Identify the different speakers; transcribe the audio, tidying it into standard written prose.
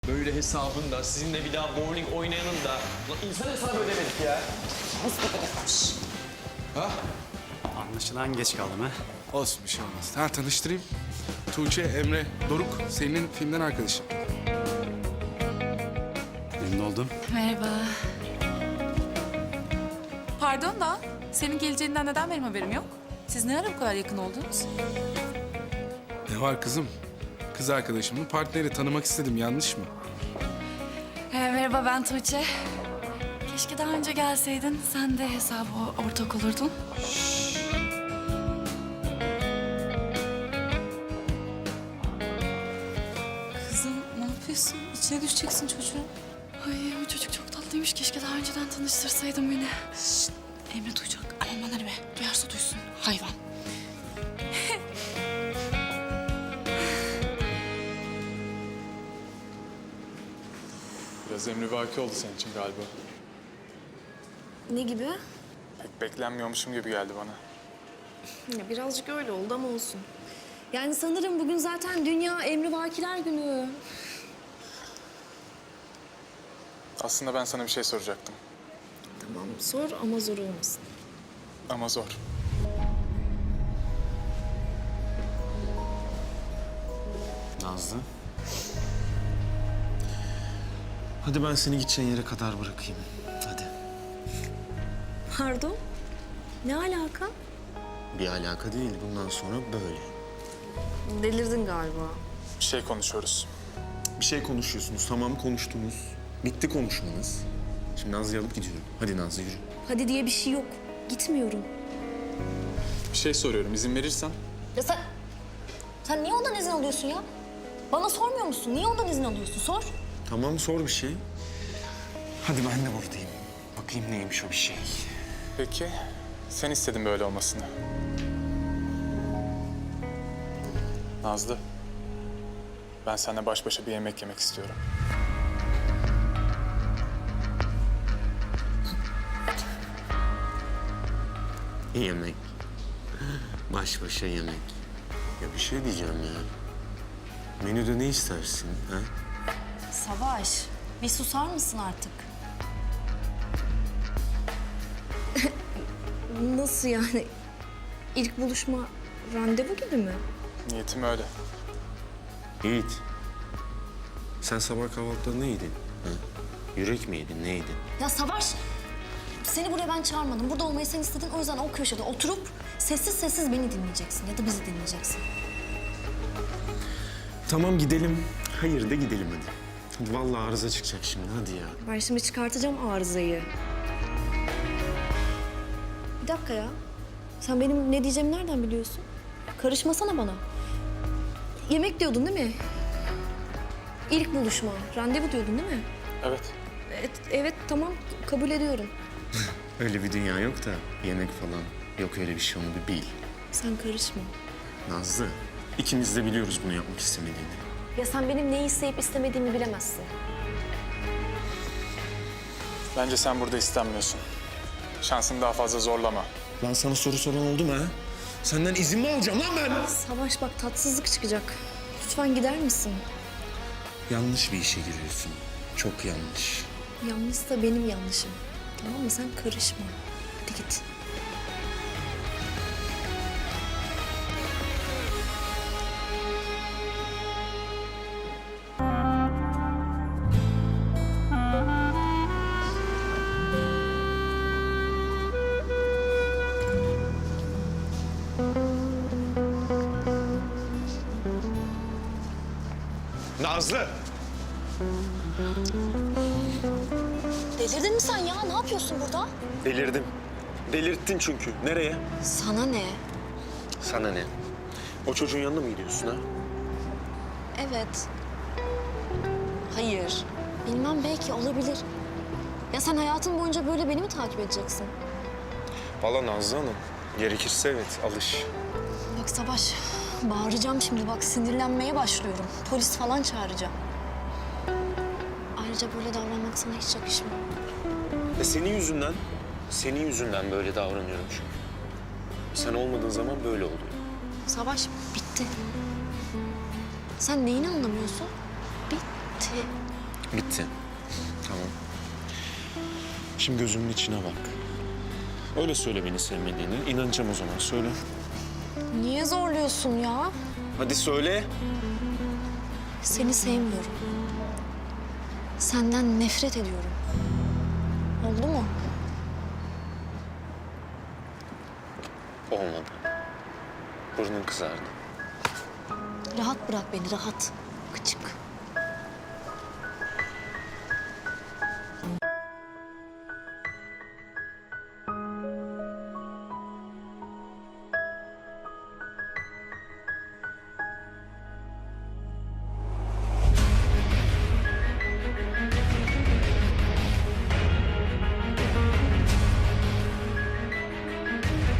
Speaker 1: Böyle hesabın da, sizinle bir daha bowling oynayanın da... Lan insan hesabı ödemedik ya.
Speaker 2: Ha?
Speaker 3: Anlaşılan geç kaldım ha.
Speaker 2: Olsun bir şey olmaz. Ha tanıştırayım. Tuğçe, Emre, Doruk senin filmden arkadaşın.
Speaker 3: Memnun oldum.
Speaker 4: Merhaba. Pardon da senin geleceğinden neden benim haberim yok? Siz ne ara bu kadar yakın oldunuz?
Speaker 2: Ne var kızım? Kız arkadaşımın partneri tanımak istedim. Yanlış mı?
Speaker 4: Merhaba ben Tuğçe. Keşke daha önce gelseydin. Sen de hesaba ortak olurdun. Kızım ne yapıyorsun? İçine düşeceksin çocuğun. Ay o çocuk çok tatlıymış. Keşke daha önceden tanıştırsaydın beni. Şşt, Emre duyacak. Aman bana be. Duyarsa duysun. Hayvan.
Speaker 5: Biraz emrivaki oldu senin için galiba.
Speaker 6: Ne gibi?
Speaker 5: Pek beklenmiyormuşum gibi geldi bana.
Speaker 6: Ya birazcık öyle oldu ama olsun. Yani sanırım bugün zaten Dünya Emrivakiler Günü.
Speaker 5: Aslında ben sana bir şey soracaktım.
Speaker 6: Tamam sor ama zor olmasın.
Speaker 5: Ama zor.
Speaker 7: Nazlı. Hadi ben seni gideceğin yere kadar bırakayım. Hadi.
Speaker 6: Pardon? Ne alaka?
Speaker 7: Bir alaka değil. Bundan sonra böyle.
Speaker 6: Delirdin galiba.
Speaker 5: Bir şey konuşuyoruz.
Speaker 7: Bir şey konuşuyorsunuz. Tamam konuştunuz. Bitti konuşmanız. Şimdi Nazlı'yı alıp gidiyorum. Hadi Nazlı yürü.
Speaker 6: Hadi diye bir şey yok. Gitmiyorum.
Speaker 5: Bir şey soruyorum, izin verirsen.
Speaker 6: Ya sen niye ondan izin alıyorsun ya? Bana sormuyor musun? Niye ondan izin alıyorsun? Sor.
Speaker 7: Tamam sor bir şey. Hadi ben de buradayım. Bakayım neymiş o bir şey.
Speaker 5: Peki, sen istedin böyle olmasını. Nazlı, ben seninle baş başa bir yemek yemek istiyorum.
Speaker 7: Yemek. Baş başa yemek. Ya bir şey diyeceğim ya. Menüde ne istersin ha?
Speaker 6: Savaş, bir susar mısın artık? Nasıl yani? İlk buluşma randevu gibi mi?
Speaker 5: Niyetim öyle.
Speaker 7: Yiğit. Sen sabah kahvaltıda ne yedin? Ha? Yürek mi yedin, ne yedin?
Speaker 6: Ya Savaş, seni buraya ben çağırmadım. Burada olmayı sen istedin. O yüzden o köşede oturup sessiz sessiz beni dinleyeceksin ya da bizi dinleyeceksin.
Speaker 7: Tamam gidelim. Hayır da gidelim hadi. Hadi vallahi arıza çıkacak şimdi hadi ya.
Speaker 6: Ben şimdi çıkartacağım arızayı. Bir dakika ya. Sen benim ne diyeceğimi nereden biliyorsun? Karışmasana bana. Yemek diyordun değil mi? İlk buluşma, randevu diyordun değil mi?
Speaker 5: Evet.
Speaker 6: Evet tamam kabul ediyorum.
Speaker 7: Öyle bir dünya yok da yemek falan. Yok öyle bir şey onu bir bil.
Speaker 6: Sen karışma.
Speaker 7: Nazlı ikimiz de biliyoruz bunu yapmak istemediğini.
Speaker 6: Ya sen benim neyi isteyip istemediğimi bilemezsin.
Speaker 5: Bence sen burada istenmiyorsun. Şansını daha fazla zorlama.
Speaker 7: Lan sana soru soran oldu mu ha? Senden izin mi alacağım lan ben?
Speaker 6: Savaş bak tatsızlık çıkacak. Lütfen gider misin?
Speaker 7: Yanlış bir işe giriyorsun. Çok yanlış.
Speaker 6: Yanlışsa benim yanlışım. Tamam mı? Sen karışma. Hadi git.
Speaker 7: Nazlı!
Speaker 6: Delirdin mi sen ya? Ne yapıyorsun burada?
Speaker 7: Delirdim. Delirttin çünkü. Nereye?
Speaker 6: Sana ne?
Speaker 7: Sana ne? O çocuğun yanına mı gidiyorsun ha?
Speaker 6: Evet. Hayır. Bilmem belki olabilir. Ya sen hayatın boyunca böyle beni mi takip edeceksin?
Speaker 7: Vallahi Nazlı Hanım. Gerekirse evet alış.
Speaker 6: Bak Savaş, bağıracağım şimdi. Bak sinirlenmeye başlıyorum. Polis falan çağıracağım. Ayrıca böyle davranmak sana hiç yakışmıyor.
Speaker 7: Senin yüzünden böyle davranıyorum çünkü. Sen olmadığın zaman böyle oluyor.
Speaker 6: Savaş bitti. Sen neyini anlamıyorsun? Bitti.
Speaker 7: Bitti. Tamam. Şimdi gözümün içine bak. Öyle söyle beni sevmediğini. İnanacağım o zaman. Söyle.
Speaker 6: Niye zorluyorsun ya?
Speaker 7: Hadi söyle.
Speaker 6: Seni sevmiyorum. Senden nefret ediyorum. Oldu mu?
Speaker 7: Olmadı. Burnun kızardı.
Speaker 6: Rahat bırak beni, rahat. Gıcık.